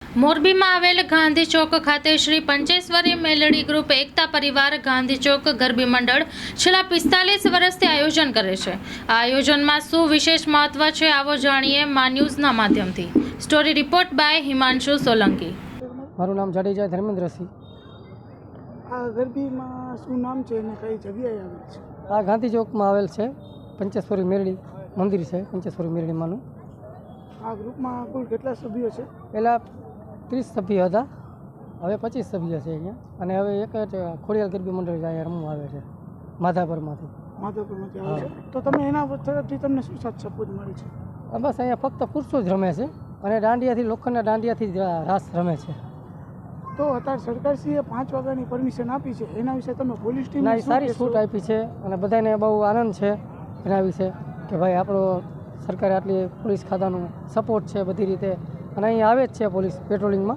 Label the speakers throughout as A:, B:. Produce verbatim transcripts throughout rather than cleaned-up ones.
A: મોરબીમાં આવેલ ગાંધી ચોક ખાતે શ્રી પંચેશ્વરી મેલડી ગ્રુપ એકતા પરિવાર ગાંધી ચોક ગરબી મંડળ છેલ્લા પિસ્તાલીસ વર્ષથી આયોજન કરે છે. આ આયોજનમાં શું વિશેષ મહત્વ છે, આવો જાણીએ મા ન્યૂઝના માધ્યમથી. Story report by Himanshu Solanki.
B: મારું નામ જાડેજા ધર્મેન્દ્રસિંહ.
C: આ ગરબીમાં શું નામ છે અને કઈ જગ્યાએ આવેલ છે?
B: આ ગાંધી ચોકમાં આવેલ છે. પંચેશ્વરી મેરડી મંદિર છે, પંચેશ્વરી મેરડીમાંનું.
C: આ ગ્રુપમાં કુલ કેટલા સભ્યો છે?
B: પહેલાં ત્રીસ સભ્યો હતા, હવે પચીસ સભ્યો છે અહીંયા. અને હવે એક જ ખોડિયાલ ગરબી મંડળ અહીંયા રમવા આવે છે માધાપરમાંથી.
C: માધવપુરમાંથી આવે છે. તો તમે એના તરફથી તમને શું સાથ સપોર્ટ મળે છે?
B: બસ અહીંયા ફક્ત પુરુષો જ રમે છે અને દાંડિયાથી લોખંડના દાંડિયાથી જ રાસ રમે છે.
C: તો અત્યારે સરકારશ્રીએ પાંચ વાગ્યાની પરમિશન આપી છે, એના વિશે તમે પોલીસ ટીમ
B: ના, સારી છૂટ આપી છે અને બધાને બહુ આનંદ છે એના વિશે કે ભાઈ આપણો સરકારે આટલી પોલીસ ખાતાનું સપોર્ટ છે બધી રીતે, અને અહીંયા આવે જ છે પોલીસ પેટ્રોલિંગમાં.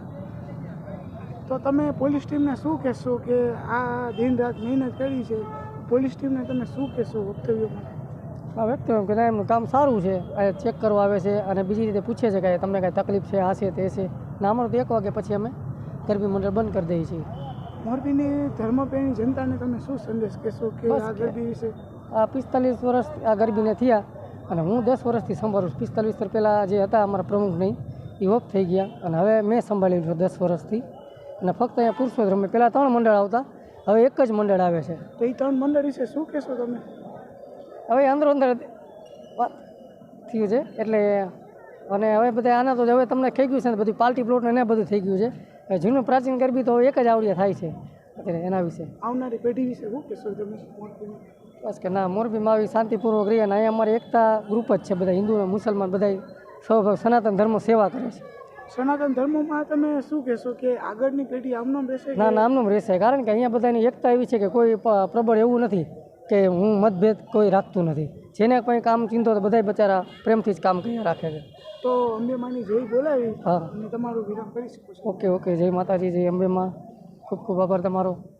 C: તો તમે પોલીસ ટીમને શું કહેશો કે આ દિન રાત મહેનત કરી છે, પોલીસ ટીમને તમે શું કહેશો વક્તવ્યમાં?
B: હા, વ્યક્ત કે ના, એમનું કામ સારું છે. આ ચેક કરવા આવે છે અને બીજી રીતે પૂછે છે કે તમને કાંઈ તકલીફ છે, આ છે તે છે. ના, અમારું તો એક વાગે પછી અમે ગરબી મંડળ બંધ કરી દઈએ છીએ.
C: મોરબીની ધર્મપ્રેમી જનતાને તમે શું સંદેશ કહેશો કે
B: બસ
C: આ ગરબી વિશે?
B: આ પિસ્તાલીસ વર્ષ આ ગરબીને થયા અને હું દસ વર્ષથી સંભાળું છું. પિસ્તાલીસ વર્ષ પહેલાં જે હતા અમારા પ્રમુખ નહીં, એ ઓફ થઈ ગયા અને હવે મેં સંભાળેલું છે દસ વર્ષથી. અને ફક્ત અહીંયા પુરુષો જ રમે. પહેલાં ત્રણ મંડળ આવતા, હવે એક જ મંડળ આવે છે.
C: તો એ ત્રણ મંડળ વિશે શું કહેશો તમે?
B: હવે અંદરો અંદર વાત થયું છે એટલે, અને હવે બધા આના તો હવે તમને થઈ ગયું છે ને બધું પાર્ટી પ્લોટ ને બધું થઈ ગયું છે. જૂનું પ્રાચીન ગરબી તો એક જ આવડિયા થાય છે અત્યારે. એના વિશે
C: આવનારી પેઢી વિશે શું કહેશો તમે?
B: બસ કે ના, મોરબીમાં આવી શાંતિપૂર્વક રહી. અને અહીંયા અમારે એકતા ગ્રુપ જ છે, બધા હિન્દુ અને મુસલમાન બધા સૌ સનાતન ધર્મ સેવા કરે છે.
C: સનાતન ધર્મમાં તમે શું કહેશો કે આગળની પેઢી આમનામ રહેશે?
B: ના ના, આમનું રહેશે. કારણ કે અહીંયા બધાની એકતા એવી છે કે કોઈ પ્રબળ એવું નથી કે હું મતભેદ કોઈ રાખતું નથી. જેને કોઈ કામ ચિંતો તો બધા બચારા પ્રેમથી જ કામ કરી રાખે છે.
C: તો અંબેમાની જય બોલાવી
B: હા,
C: અને તમારું વિરામ કરી શકો છો.
B: Okay okay. જય માતાજી, જય અંબેમાં. ખૂબ ખૂબ આભાર તમારો.